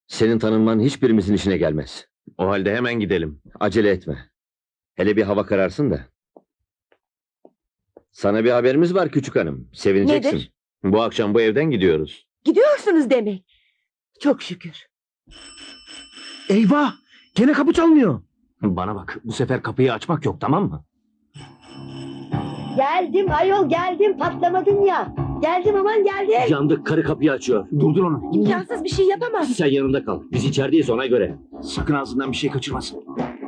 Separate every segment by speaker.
Speaker 1: Senin tanınman hiçbirimizin işine gelmez.
Speaker 2: O halde hemen gidelim.
Speaker 1: Acele etme. Hele bir hava kararsın da. Sana bir haberimiz var küçük hanım. Sevineceksin.
Speaker 3: Nedir?
Speaker 2: Bu akşam bu evden gidiyoruz.
Speaker 3: Gidiyorsunuz demek. Çok şükür.
Speaker 4: Eyvah! Gene kapı çalmıyor.
Speaker 2: Bana bak, bu sefer kapıyı açmak yok, tamam mı?
Speaker 5: Geldim ayol geldim patlamadın ya. Geldim aman geldim.
Speaker 1: Yandık, karı kapıyı açıyor.
Speaker 4: Durdur onu.
Speaker 3: İmkansız bir şey yapamam.
Speaker 1: Sen yanında kal. Biz içerideyiz ona göre.
Speaker 4: Sakın ağzından bir şey kaçırmasın.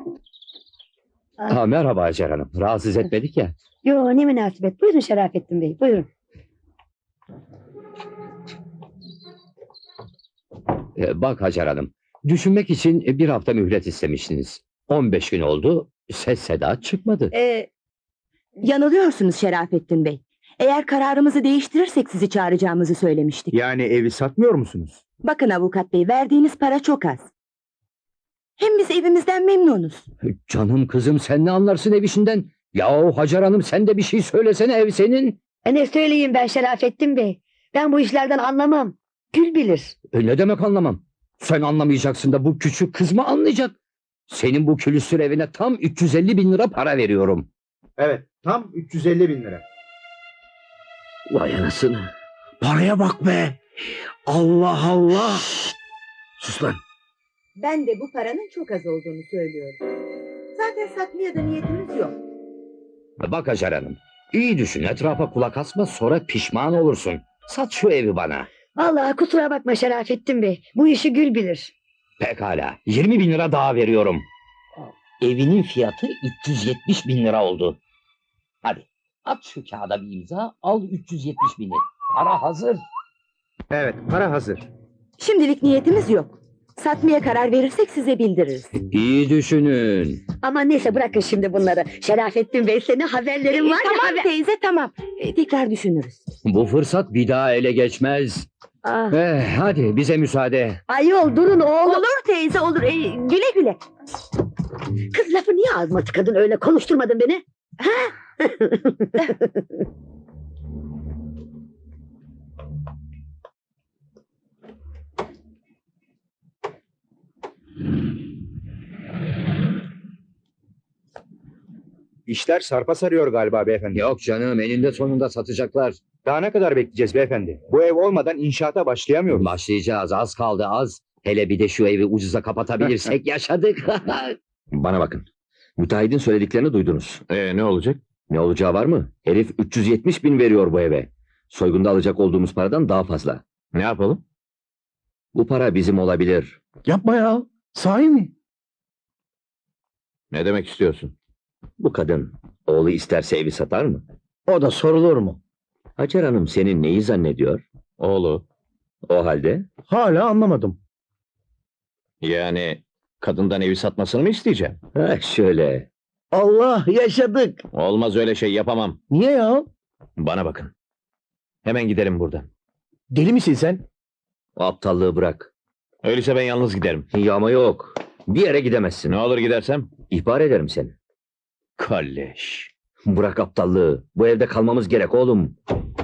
Speaker 1: Merhaba Hacer Hanım. Rahatsız etmedik ya.
Speaker 5: Yo ne münasebet. Buyurun Şerafettin Bey buyurun.
Speaker 1: Bak Hacer Hanım. Düşünmek için bir hafta mühlet istemiştiniz. 15 gün oldu. Ses seda çıkmadı.
Speaker 3: Yanılıyorsunuz Şerafettin Bey. Eğer kararımızı değiştirirsek sizi çağıracağımızı söylemiştik.
Speaker 4: Yani evi satmıyor musunuz?
Speaker 3: Bakın avukat bey, verdiğiniz para çok az. Hem biz evimizden memnunuz.
Speaker 1: Canım kızım, sen ne anlarsın ev işinden? Yahu Hacer Hanım, sen de bir şey söylesene, ev senin.
Speaker 5: Ne söyleyeyim ben Şerafettin Bey. Ben bu işlerden anlamam. Gül bilir.
Speaker 1: Ne demek anlamam? Sen anlamayacaksın da bu küçük kız mı anlayacak? Senin bu külüstür evine tam 350 bin lira para veriyorum.
Speaker 4: Evet, tam 350 bin lira.
Speaker 1: Vay anasını.
Speaker 4: Paraya bak be! Allah Allah! Sus lan!
Speaker 3: Ben de bu paranın çok az olduğunu söylüyorum. Zaten satmaya da niyetimiz yok.
Speaker 1: Bak Hacer Hanım, iyi düşün, etrafa kulak asma, sonra pişman olursun. Sat şu evi bana.
Speaker 5: Vallahi kusura bakma Şerafettin Bey. Bu işi Gül bilir.
Speaker 1: Pekala, 20 bin lira daha veriyorum. Evinin fiyatı 370 bin lira oldu. Hadi, at şu kağıda bir imza, al 370 bini. Para hazır.
Speaker 4: Evet, para hazır.
Speaker 3: Şimdilik niyetimiz yok. Satmaya karar verirsek size bildiririz.
Speaker 1: İyi düşünün.
Speaker 5: Ama neyse bırakın şimdi bunları. Şerafettin Bey senin haberlerin var ya.
Speaker 3: Tamam teyze tamam. Tekrar düşünürüz.
Speaker 1: Bu fırsat bir daha ele geçmez.
Speaker 5: Ah,
Speaker 1: Hadi bize müsaade.
Speaker 5: ayol durun oğlum.
Speaker 3: Olur teyze olur. Güle güle.
Speaker 5: Kız lafı niye ağzıma tıkadın öyle konuşturmadın beni? Ha?
Speaker 4: İşler sarpa sarıyor galiba beyefendi.
Speaker 1: Yok canım, eninde sonunda satacaklar.
Speaker 4: Daha ne kadar bekleyeceğiz beyefendi? Bu ev olmadan inşaata başlayamıyoruz.
Speaker 1: Başlayacağız, az kaldı az. Hele bir de şu evi ucuza kapatabilirsek yaşadık. Bana bakın. Müteahhidin söylediklerini duydunuz.
Speaker 2: Ne olacak?
Speaker 1: Ne olacağı var mı? Herif 370 bin veriyor bu eve. Soygunda alacak olduğumuz paradan daha fazla.
Speaker 2: Ne yapalım?
Speaker 1: Bu para bizim olabilir.
Speaker 4: Yapma ya! Sahi mi?
Speaker 2: Ne demek istiyorsun?
Speaker 1: Bu kadın oğlu isterse evi satar mı?
Speaker 4: O da sorulur mu?
Speaker 1: Hacer Hanım senin neyi zannediyor?
Speaker 2: Oğlu.
Speaker 1: O halde
Speaker 4: Hala anlamadım.
Speaker 2: Yani kadından evi satmasını mı isteyeceğim?
Speaker 1: şöyle.
Speaker 4: Allah yaşadık!
Speaker 2: Olmaz, öyle şey yapamam.
Speaker 4: Niye ya?
Speaker 2: Bana bakın. Hemen gidelim buradan.
Speaker 4: Deli misin sen?
Speaker 1: O aptallığı bırak.
Speaker 2: Öyleyse ben yalnız giderim.
Speaker 1: Yağma yok. Bir yere gidemezsin.
Speaker 2: Ne olur gidersem?
Speaker 1: İhbar ederim seni.
Speaker 2: Kalleş.
Speaker 1: Bırak aptallığı. Bu evde kalmamız gerek oğlum.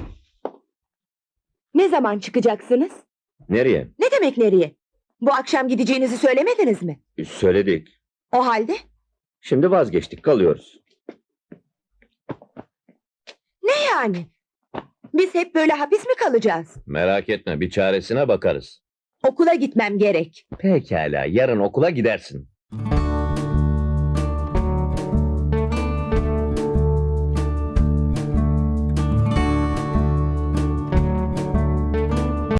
Speaker 3: Ne zaman çıkacaksınız?
Speaker 1: Nereye?
Speaker 3: Ne demek nereye? Bu akşam gideceğinizi söylemediniz mi?
Speaker 1: Söyledik.
Speaker 3: O halde?
Speaker 1: Şimdi vazgeçtik, kalıyoruz.
Speaker 3: Ne yani? Biz hep böyle hapis mi kalacağız?
Speaker 2: Merak etme, bir çaresine bakarız.
Speaker 3: Okula gitmem gerek.
Speaker 2: Pekala, yarın okula gidersin.